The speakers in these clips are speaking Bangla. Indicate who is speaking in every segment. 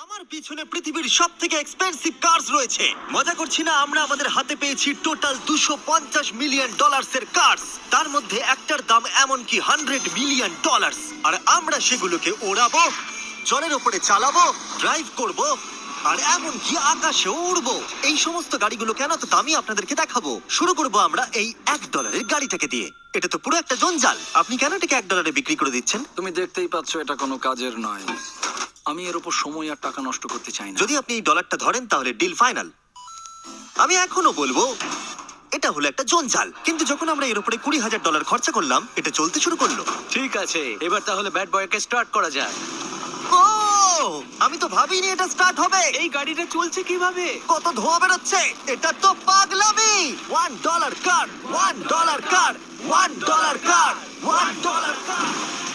Speaker 1: আমার পিছনে পৃথিবীর সব থেকে এক্সপেন্সিভ কার্স রয়েছে। মজা করছি না, আমরা আমাদের হাতে পেয়েছি টোটাল $250 মিলিয়ন এর কার্স। তার মধ্যে একটার দাম এমনকি $100 মিলিয়ন। আর আমরা সেগুলোকে ওড়াবো, জলের ওপরে চালাবো, ড্রাইভ করব, আর এমনকি আকাশেও উড়বো। এই সমস্ত গাড়িগুলো কেন তো দামি আপনাদেরকে দেখাবো। শুরু করবো আমরা এই $1 গাড়িটাকে দিয়ে। এটা তো পুরো একটা জঞ্জাল। আপনি কেন এটাকে $1 বিক্রি করে দিচ্ছেন?
Speaker 2: তুমি দেখতেই পাচ্ছ এটা কোনো কাজের নয়। আমি এর উপর সময় আর টাকা নষ্ট করতে চাই না।
Speaker 1: যদি আপনি এই ডলারটা ধরেন তাহলে ডিল ফাইনাল। আমি এখনো বলবো এটা হলো একটা জঞ্জাল, কিন্তু যখন আমরা এর উপরে $20,000 খরচা করলাম, এটা চলতে শুরু করলো।
Speaker 3: ঠিক আছে, এবার তাহলে ব্যাড বয়কে স্টার্ট করা যাক।
Speaker 1: ও, আমি তো ভাবিনি এটা স্টার্ট হবে।
Speaker 3: এই গাড়িটা চলছে কিভাবে?
Speaker 1: কত ধোঁয়া বেরোচ্ছে, এটা তো পাগলামি। $1 কার, $1 কার, $1 কার, $1 কার।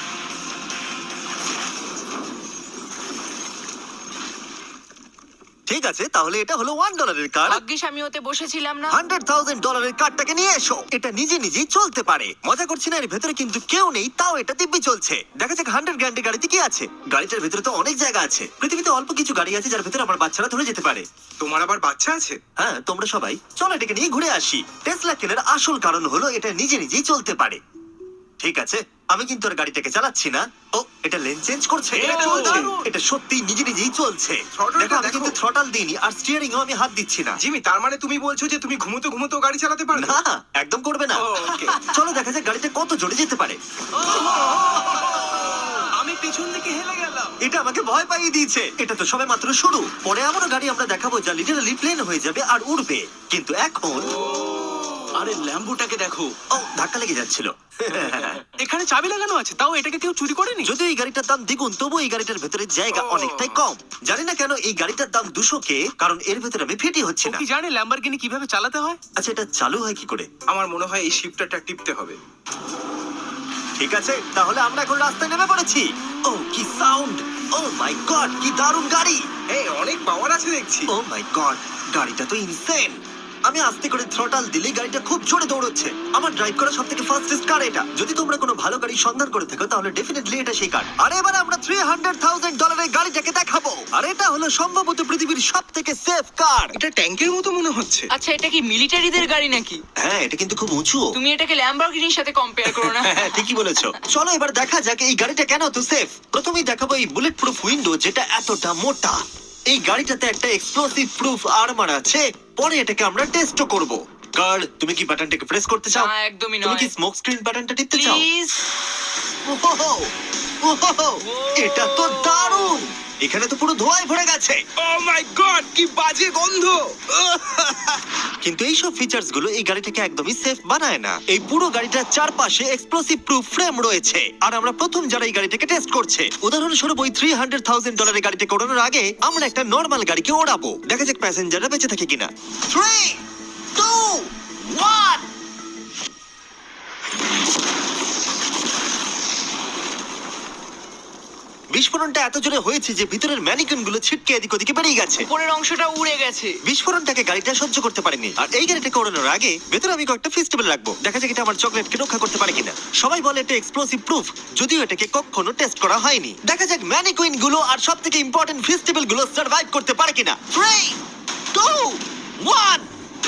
Speaker 1: ঠিক আছে, তাহলে এটা হলো $1 কার।
Speaker 4: ভাগ্যিস আমি ওতে বসেছিলাম না।
Speaker 1: $100,000 কারটাকে নিয়ে এসো। এটা নিজে নিজেই চলতে পারে। মজা করছি না, এর ভেতরে কিন্তু কেউ নেই, তাও এটা দিব্যি চলছে। দেখা যাক 100 গ্র্যান্ডের গাড়িতে কি আছে। গাড়িটার ভেতরে তো অনেক জায়গা আছে। পৃথিবীতে অল্প কিছু গাড়ি আছে যার ভেতরে আমার বাচ্চারা ধরে যেতে পারে।
Speaker 5: তোমার আবার বাচ্চা আছে?
Speaker 1: হ্যাঁ, তোমরা সবাই চলো এটাকে নিয়ে ঘুরে আসি। টেসলা কেনার আসল কারণ হলো এটা নিজে নিজেই চলতে পারে। ঠিক আছে, আমি কিন্তু আর গাড়িটাকে চালাচ্ছি না। ও, এটা লেন চেঞ্জ করছে।
Speaker 3: এটা চলছে।
Speaker 1: এটা সত্যি নিজে নিজেই চলছে।
Speaker 5: Throttle-টা
Speaker 1: দেখো, আমি
Speaker 5: দেখো।
Speaker 1: কিন্তু থ্রটাল দিইনি, আর স্টিয়ারিংও আমি হাত দিচ্ছি না।
Speaker 5: জিমি, তার মানে তুমি বলছো যে তুমি ঘুমোতে ঘুমোতেও গাড়ি চালাতে পারবে?
Speaker 1: না, একদম করবে না।
Speaker 5: ও, okay.
Speaker 1: চলো দেখা যাক গাড়িটা কত জোরে যেতে পারে।
Speaker 3: আমি পিছন দিকে হেলে গেলাম।
Speaker 1: এটা আমাকে ভয় পাইয়ে দিয়েছে। এটা তো সবে মাত্র শুরু। পরে এমনও গাড়ি আমরা দেখাবো যা লিটারালি প্লেন হয়ে যাবে আর উড়বে। কিন্তু এখন
Speaker 3: আরে ল্যাম্বোটাকে দেখো,
Speaker 1: ও, ধাক্কা লেগে যাচ্ছিল।
Speaker 3: এখানে চাবি লাগানো আছে, তাও এটাকে কেউ চুরি করেনি।
Speaker 1: যদিও এই গাড়িটার দাম দ্বিগুণ, তবু এই গাড়িটার ভেতরে জায়গা অনেকটাই কম। জানি না কেন এই গাড়িটার দাম 200K, কারণ এর ভেতরে আমি ফিটি হচ্ছে
Speaker 3: ও
Speaker 1: না।
Speaker 3: কি জানে ল্যাম্বরগিনি কিভাবে চালাতে হয়?
Speaker 1: আচ্ছা, এটা চালু হয় কি করে?
Speaker 5: আমার মনে হয় এই শিফটারটা টিপতে হবে।
Speaker 1: ঠিক আছে, তাহলে আমরা এখন রাস্তায় নেমে পড়েছি। ও, কি সাউন্ড! ও মাই গড, কি দারুণ গাড়ি!
Speaker 5: এই অনেক পাওয়ার আছে দেখছি।
Speaker 1: ও মাই গড, গাড়িটা তো ইনসেন। আমি আস্তে করে থ্রটাল দিলে গাড়িটা খুব জোরে দৌড়চ্ছে। আমার ড্রাইভ করা সবথেকে ফাস্টেস্ট কার এটা। যদি তোমরা কোনো ভালো গাড়ি সন্ধান করে থাকো তাহলে ডেফিনেটলি এটা সেই কার। আর এবার আমরা $300,000 এর গাড়িটাকে দেখাবো। আর এটা হলো সম্ভবত পৃথিবীর সবথেকে সেফ কার।
Speaker 5: এটা ট্যাঙ্কের মতো মনে হচ্ছে।
Speaker 4: আচ্ছা, এটা কি মিলিটারিদের গাড়ি নাকি?
Speaker 1: হ্যাঁ, এটা কিন্তু খুব উঁচু।
Speaker 4: তুমি এটাকে ল্যাম্বরগিনির সাথে কম্পেয়ার করো না।
Speaker 1: হ্যাঁ, ঠিকই বলেছো। চলো এবার দেখা যাক এই গাড়িটা কেন এত সেফ। প্রথমেই দেখাবো এই বুলেট প্রুফ উইন্ডো, যেটা এতটা মোটা। এই গাড়িটাতে একটা এক্সপ্লোসিভ প্রুফ আর্মার আছে। পরে এটাকে আমরা টেস্টও করব। কার, তুমি কি বাটনটাকে প্রেস করতে চাও?
Speaker 4: না, একদমই
Speaker 1: তুমি
Speaker 4: নয়।
Speaker 1: কি স্মোক স্ক্রিন বাটনটা টিপতে চাও?
Speaker 4: প্লিজ।
Speaker 1: ওহো, ওহো, এটা তো দারুণ। এখানে তো পুরো ধোঁয়ায় ভরে গেছে।
Speaker 5: ও মাই গড, কি বাজে গন্ধ!
Speaker 1: কিন্তু এইসব ফিচার্স গুলো এই গাড়িটাকে একদমই সেফ বানায় না। এই পুরো গাড়িটার চারপাশে এক্সপ্লোসিভ প্রুফ ফ্রেম রয়েছে, আর আমরা প্রথম যারা এই গাড়িটাকে টেস্ট করছে। উদাহরণস্বরূপ ওই $300,000 এর গাড়িটাকে ওড়ানোর আগে আমরা একটা নর্মাল গাড়িকে ওড়াবো। দেখা যাক প্যাসেঞ্জাররা বেঁচে থাকে কিনা। 3, 2, 1। বিস্ফোরণটা এত জোরে হয়েছে যে ভিতরের ম্যানিকুইন গুলো ছিটকে এদিক ওদিকে বেরিয়ে গেছে।
Speaker 4: উপরের অংশটা উড়ে গেছে।
Speaker 1: বিস্ফোরণটাকে গাড়িটা সহ্য করতে পারেনি। আর এই গাড়িটাকে ওড়ানোর আগে ভেতরে আমি কয়েকটা ফেস্টিভ্যাল রাখবো, দেখা যাক এটা আমার চকলেটকে রক্ষা করতে পারে কিনা। সবাই বলে এটা এক্সপ্লোসিভ প্রুফ, যদিও এটাকে কখনো টেস্ট করা হয়নি। দেখা যাক ম্যানিকুইন গুলো আর সব থেকে ইম্পর্টেন্ট ফেস্টিভ্যাল গুলো সার্ভাইভ করতে পারে কিনা। 3, 2, 1।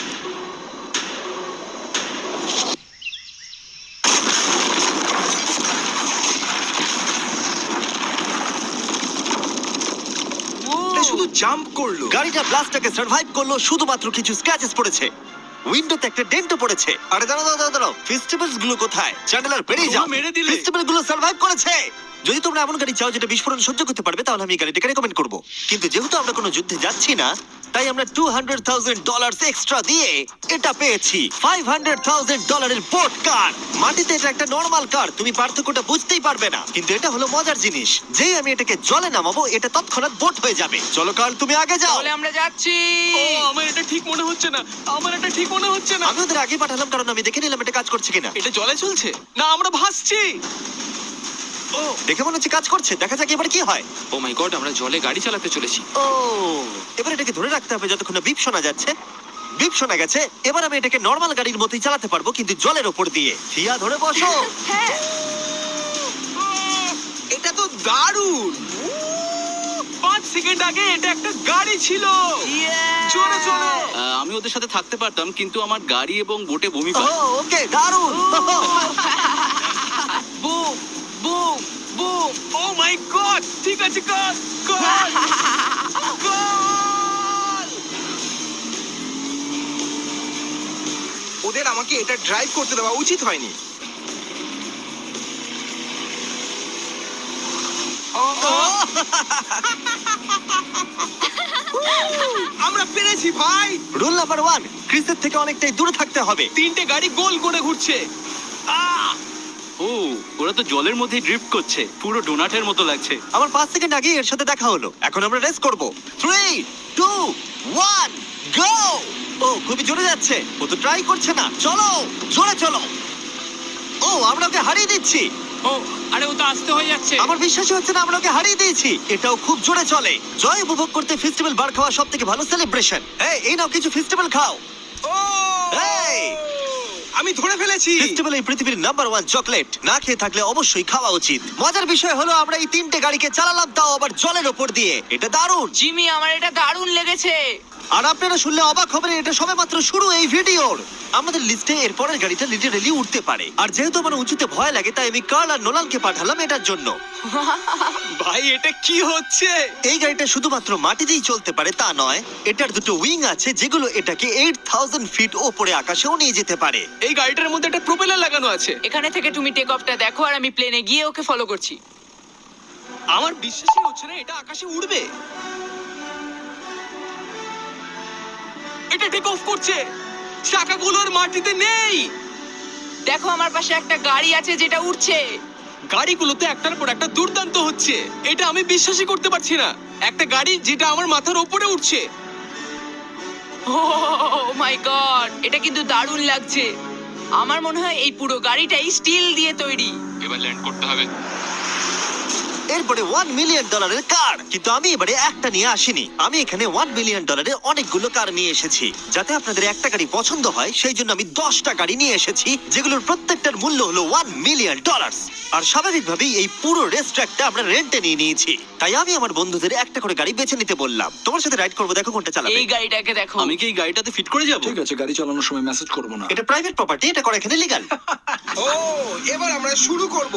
Speaker 5: এটা শুধু জাম্প করলো।
Speaker 1: গাড়িটা ব্লাস্টটাকে সার্ভাইভ করলো, শুধুমাত্র কিছু স্ক্র্যাচেস পড়েছে। উইন্ডোতে একটা ডেন্টও পড়েছে। আরে দাঁড়াও, ফেস্টিভ্যালস গুলো কোথায়? চ্যান্ডেলার বেরিয়ে যাও।
Speaker 3: তোমরা মেরে দিলে।
Speaker 1: ফেস্টিভ্যাল গুলো সার্ভাইভ করেছে। যদি তোমরা এমন গাড়ি চাও যেটা বিস্ফোরণ সহ্য করতে পারবে, তাহলে আমি এই গাড়িটাকে রেকমেন্ড করব। কিন্তু যেহেতু আমরা কোনো যুদ্ধে যাচ্ছি না, তাই আমরা $200,000 এক্সট্রা দিয়ে এটা পেয়েছি। $500,000 এর বোট কার। মাটিতে এটা একটা নর্মাল কার, তুমি পার্থক্যটা বুঝতেই পারবে না। কিন্তু এটা হলো মজার জিনিস, যেই আমি এটাকে জলে নামাবো এটা তৎক্ষণাৎ বোট হয়ে যাবে। চলো কার, তুমি আগে যাও।
Speaker 4: তাহলে আমরা যাচ্ছি।
Speaker 3: ও, আমার এটা ঠিক মনে হচ্ছে না, আমার এটা ঠিক মনে হচ্ছে না।
Speaker 1: আমি ওদের আগে পাঠালাম কারণ আমি দেখে নিলাম এটা কাজ করছে কিনা।
Speaker 3: এটা জলে চলছে না, আমরা ভাসছি। ও,
Speaker 1: দেখে মনে হচ্ছে কাজ করছে, দেখা যাক এবার কি হয়।
Speaker 3: ও মাই গড, আমরা জলে গাড়ি চালাতে চলেছি।
Speaker 1: ও, এবার এটাকে ধরে রাখতে হবে যতক্ষণ না বিপ শোনা যাচ্ছে। বিপ শোনা গেছে, এবার আমি এটাকে নর্মাল গাড়ির মতোই চালাতে পারবো, কিন্তু জলের ওপর দিয়ে। থিয়া, ধরে বসো।
Speaker 4: হ্যাঁ।
Speaker 5: এটা তো দারুণ।
Speaker 3: 5 সেকেন্ড আগে এটা একটা গাড়ি ছিল। জোরে চলো। আমি ওদের সাথে থাকতে পারতাম, কিন্তু আমার গাড়ি এবং বোটে ভূমি
Speaker 1: ও ওকে, দারুণ।
Speaker 4: Boom boom boom.
Speaker 3: Oh my God! ঠিক আছে, কর কর কর।
Speaker 5: ওদের আমাকে এটা ড্রাইভ করতে দেওয়া উচিত হয়নি। আমরা পেরেছি ভাই।
Speaker 1: রুল নাম্বার 1, ক্রিসের থেকে অনেকটাই দূরে থাকতে হবে।
Speaker 3: তিনটে গাড়ি গোল করে ঘুরছে। ও, ওরা তো জলের মধ্যে ড্রিফট করছে, পুরো ডোনাটের মতো লাগছে।
Speaker 1: আমার 5 সেকেন্ড আগে এর সাথে দেখা হলো। এখন আমরা রেস করব। 3, 2, 1, গো! ও খুবই জোরে যাচ্ছে। ও তো ট্রাই করছে না। চলো, জোরে চলো। ও, আমরা ওকে হারিয়ে দিচ্ছি।
Speaker 4: ও আরে ও তো আসতে হয়ে যাচ্ছে।
Speaker 1: আমার বিশ্বাসই হচ্ছে না আমরা ওকে হারিয়ে দিয়েছি। এটাও খুব জোরে চলে। জয় উপভোগ করতে ফেস্টিভ্যাল বার খাওয়া সব থেকে ভালো সেলিব্রেশন। এই নাও কিছু ফেস্টিভ্যাল খাও।
Speaker 5: ও
Speaker 1: এই!
Speaker 5: আমি ধরে ফেলেছি।
Speaker 1: ফেস্টিভ্যাল এই পৃথিবীর নাম্বার 1 চকলেট। না খেয়ে থাকলে অবশ্যই খাওয়া উচিত। মজার বিষয় হলো আমরা এই তিনটে গাড়িকে চালালাম, তাও আবার জলের ওপর দিয়ে। এটা দারুণ।
Speaker 4: জিমি আমার এটা দারুণ লেগেছে।
Speaker 1: আর আপনারা শুনলে অবাক হবেন, এটা সবেমাত্র শুরু এই ভিডিওর। আমাদের লিস্টে এর পরের গাড়িটা লিটারেলি উঠতে পারে। আর যেহেতু আমার উঁচুতে ভয় লাগে, তাই আমি কার্ল আর নোলানকে পাঠালাম এটার জন্য।
Speaker 3: ভাই, এটা কি হচ্ছে?
Speaker 1: এই গাড়িটা শুধুমাত্র মাটিতেই চলতে পারে তা নয়, এটার দুটো উইং আছে যেগুলো এটাকে 8000 ফিট ওপরে আকাশেও নিয়ে যেতে পারে।
Speaker 3: এই গাড়িটার মধ্যে একটা প্রপেলার লাগানো আছে।
Speaker 4: এখানে থেকে তুমি টেক অফটা দেখো আর আমি প্লেনে গিয়ে ওকে ফলো করছি।
Speaker 3: আমার বিশ্বাসই হচ্ছে না এটা আকাশে উড়বে। এটা টেক অফ করছে। চাকাগুলোর মাটিতে নেই।
Speaker 4: দেখো আমার পাশে একটা গাড়ি আছে যেটা উঠছে।
Speaker 3: গাড়িগুলোতে একটার পর একটা দুর্দান্ত হচ্ছে। এটা আমি বিশ্বাসই করতে পারছি না। একটা গাড়ি যেটা আমার মাথার উপরে উঠছে।
Speaker 4: ও মাই গড, এটা কিন্তু দারুণ লাগছে। আমার মনে হয় এই পুরো গাড়িটাই স্টিল দিয়ে তৈরি।
Speaker 3: এবার ল্যান্ড করতে হবে।
Speaker 1: এরপরে $1 মিলিয়ন কার। কিন্তু আমি এবারে একটা নিয়ে আসিনি। আমি এখানে $1 মিলিয়ন অনেকগুলো কার নিয়ে এসেছি। যাতে আপনাদের একটা গাড়ি পছন্দ হয়, সেই জন্য আমি 10টা গাড়ি নিয়ে এসেছি, যেগুলোর প্রত্যেকটার মূল্য হলো $1 মিলিয়ন। আর স্বাভাবিকভাবেই এই পুরো রেস ট্র্যাকটা আমরা রেন্টে নিয়ে নিয়েছি। তাই আমি আমার বন্ধুদের একটা করে গাড়ি বেছে নিতে বললাম। তোমার সাথে রাইড করবো, দেখো কোনটা চালাবে।
Speaker 4: এই গাড়িটাকে দেখো।
Speaker 3: আমি কি এই গাড়িটাতে ফিট করে যাব?
Speaker 2: ঠিক আছে, গাড়ি চালানোর সময় মেসেজ করবো না।
Speaker 1: এটা প্রাইভেট প্রপার্টি, এটা করা এখানে লিগ্যাল।
Speaker 5: ও এবার আমরা শুরু করব।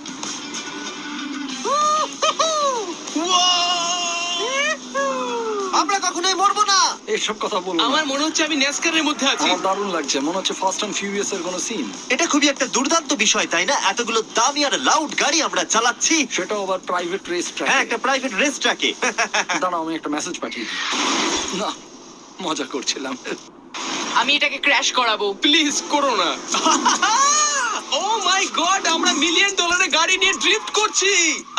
Speaker 1: আমরা কখনোই মরবো না।
Speaker 2: এইসব কথা বলবো না।
Speaker 3: আমার মনে হচ্ছে আমি ন্যাসকারের মধ্যে আছি।
Speaker 2: আমার দারুণ লাগছে, মনে হচ্ছে ফাস্ট অ্যান্ড ফিউরিয়াস এর কোনো সিন।
Speaker 1: এটা খুবই একটা দুর্দান্ত বিষয়, তাই না? এতগুলো দামি আর লাউড গাড়ি আমরা চালাচ্ছি।
Speaker 2: সেটাও আবার প্রাইভেট রেস ট্র্যাক।
Speaker 1: হ্যাঁ, একটা প্রাইভেট রেস ট্র্যাকে।
Speaker 2: দাঁড়াও, আমি একটা মেসেজ পাঠিয়ে দিই। না, মজা করছিলাম।
Speaker 4: আমি এটাকে ক্র্যাশ করাবো।
Speaker 3: প্লিজ করো না। ও মাই গড, আমরা $1 মিলিয়ন গাড়ি নিয়ে ড্রিফট করছি।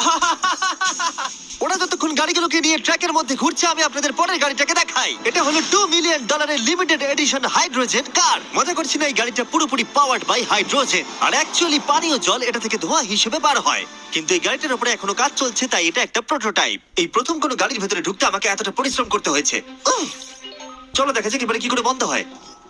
Speaker 1: ওরা যতক্ষণ গাড়িগুলোকে নিয়ে ট্র্যাকের মধ্যে ঘুরছে, আমি আপনাদের পরের গাড়িটাকে দেখাই। এটা হলো $2 million limited edition hydrogen car. মজা করছি না, এই গাড়িটা পুরোপুরি পাওয়ার্ড বাই হাইড্রোজেন। আর অ্যাকচুয়ালি পানীয় জল এটা থেকে ধোঁয়া হিসেবে বার হয়। কিন্তু এই গাড়িটার উপরে এখনো কাজ চলছে, তাই এটা একটা প্রোটোটাইপ। এই প্রথম কোনো গাড়ির ভেতরে ঢুকতে আমাকে এতটা পরিশ্রম করতে হয়েছে। চলো দেখা যাক এবারে কি করে বন্ধ হয়।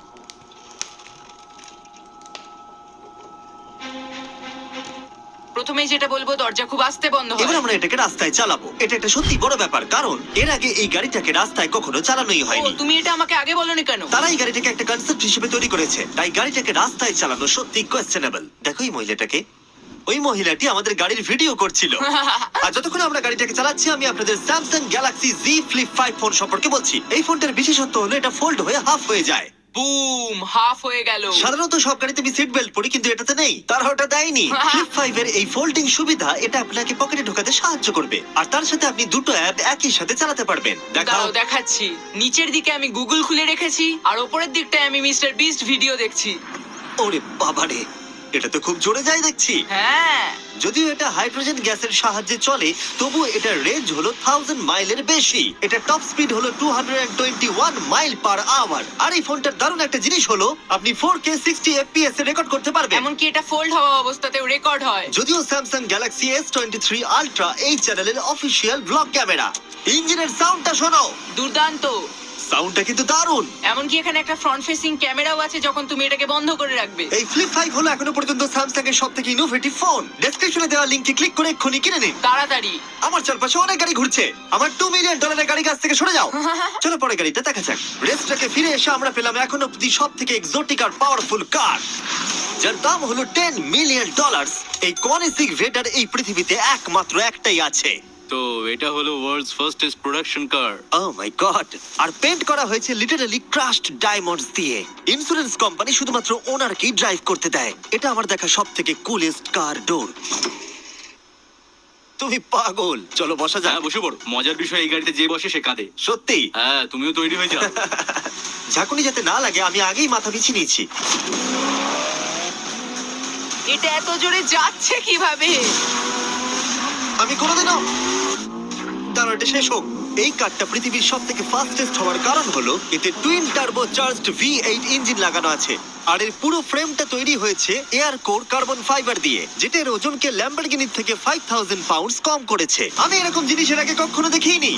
Speaker 4: প্রথমেই যেটা বলবো, দরজা খুব আস্তে বন্ধ
Speaker 1: এবার
Speaker 4: হয়।
Speaker 1: আমরা এটাকে রাস্তায় চালাবো। এটা একটা সত্যি বড় ব্যাপার, কারণ এর আগে এই গাড়িটাকে রাস্তায় কখনো চালানোই
Speaker 4: ও
Speaker 1: হয়নি।
Speaker 4: তুমি এটা আমাকে আগে বলনি কেন?
Speaker 1: তারা এই গাড়িটাকে একটা কনসেপ্ট হিসেবে তৈরি করেছে, তাই গাড়িটাকে রাস্তায় চালানো সত্যি কোয়েশ্চেনেবল। দেখো এই মহিলাটাকে। ওই মহিলাটি আমাদের গাড়ির ভিডিও করছিল। আর যতক্ষণ আমরা গাড়িটাকে চালাচ্ছি, আমি আপনাদের Samsung Galaxy Z flip 5 phone সম্পর্কে বলছি। এই ফোনটার বিশেষত্ব হলো এটা ফোল্ড হয়ে হাফ হয়ে যায়।
Speaker 4: বুম, হাফ হয়ে গেল।
Speaker 1: সাধারণত সব গাড়িতে আমি সিট বেল্ট পরি, কিন্তু এটাতে নেই। তারা ওটা দেয়নি। ফ্লিপ 5 এর এই ফোল্ডিং সুবিধা এটা আপনাকে পকেটে ঢোকাতে সাহায্য করবে। আর তার সাথে আপনি দুটো অ্যাপ একই সাথে চালাতে পারবেন। দেখাও।
Speaker 4: দাঁড়াও দেখাচ্ছি। নিচের দিকে আমি গুগল খুলে রেখেছি, আর ওপরের দিকটায় আমি মিস্টার বিস্ট ভিডিও দেখছি।
Speaker 1: ওরে বাবারে, এটা তো খুব জোরে যায় দেখছি।
Speaker 4: হ্যাঁ,
Speaker 1: যদিও এটা হাইড্রোজেন গ্যাসের সাহায্যে চলে, তবুও এটার রেঞ্জ হলো 1000 মাইলের বেশি। এটা টপ স্পিড হলো 221 মাইল পার আওয়ার। আর এই ফোনটার দারুণ একটা জিনিস হলো আপনি 4K 60 FPS এ রেকর্ড করতে পারবেন।
Speaker 4: এমনকি এটা ফোল্ড হওয়া অবস্থাতেও রেকর্ড হয়।
Speaker 1: যদিও স্যামসাং গ্যালাক্সি S23 আলট্রা এই চ্যানেলের অফিসিয়াল ব্লগ ক্যামেরা। ইঞ্জিনের সাউন্ডটা শোনো।
Speaker 4: দুর্দান্ত।
Speaker 1: সাউন্ডটা কিন্তু দারুণ।
Speaker 4: এমনকি এখানে একটা ফ্রন্ট ফেসিং ক্যামেরাও আছে যখন তুমি এটাকে বন্ধ করে রাখবে।
Speaker 1: এই ফ্লিপ 5 হলো এখনো পর্যন্ত স্যামসাং এর সবথেকে ইনোভেটিভ ফোন। ডেসক্রিপশনে দেওয়া লিংকে ক্লিক করে এক্ষুনি কিনে নিন।
Speaker 4: তাড়াতাড়ি।
Speaker 1: আমার চারপাশে অনেক গাড়ি ঘুরছে। আমার $2 মিলিয়ন গাড়ি কাছ থেকে সরে যাও। চলো পরে গাড়িটা দেখা যাক। রেসটাকে ফিরে এসে আমরা পেলাম এখন অব্দি সব থেকে এক্সোটিক আর পাওয়ারফুল কার, যার দাম হলো $10 মিলিয়ন। এই কনিসিক ভেডার এই পৃথিবীতে একমাত্র একটাই আছে।
Speaker 6: তো এটা হলো world's fastest production car.
Speaker 1: Oh my God! আর পেন্ট করা হয়েছে লিটারালি ক্রাশড ডায়মন্ডস দিয়ে। ইন্স্যুরেন্স কোম্পানি শুধুমাত্র ওনারকেই ড্রাইভ করতে দেয়। এটা আমার দেখা সব থেকে কুলেস্ট কার ডোর। তুমি পাগল। চলো বসা যাক।
Speaker 6: হ্যাঁ বসে পড়ো। মজার বিষয় এই গাড়িতে যে বসে সে কাঁদে।
Speaker 1: সত্যি
Speaker 6: হ্যাঁ তুমিও তৈরি হয়ে যাও।
Speaker 1: ঝাঁকুনি যাতে না লাগে আমি আগেই মাথা পিছিয়ে নিয়েছি।
Speaker 4: এটা এত জোরে যাচ্ছে কিভাবে?
Speaker 1: আমি কোনোদিনও দাঁড়াও, এটা শেষ হোক। এই কারটা পৃথিবীর সব থেকে ফাস্টেস্ট হওয়ার কারণ হলো এতে twin turbo charged V8 engine লাগানো আছে। আর এর পুরো ফ্রেমটা তৈরি হয়েছে এয়ার কোর কার্বন ফাইবার দিয়ে, যেটা এর ওজনকে ল্যাম্বরগিনির থেকে 5000 পাউন্ডস কম করেছে। আমি এরকম জিনিসের আগে কখনো দেখিনি।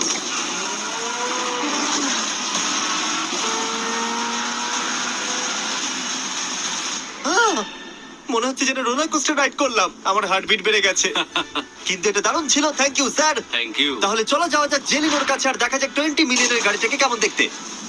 Speaker 1: মনে হচ্ছে যেন রোলার কোস্টার রাইড করলাম। আমার হার্টবিট বেড়ে গেছে। কিন্তু এটা দারুণ ছিল। Thank you sir.
Speaker 6: Thank you.
Speaker 1: তাহলে চলো যাওয়া যাক জেলিনোর কাছে আর দেখা যাক 20 মিলিয়নের গাড়িটাকে কেমন দেখতে।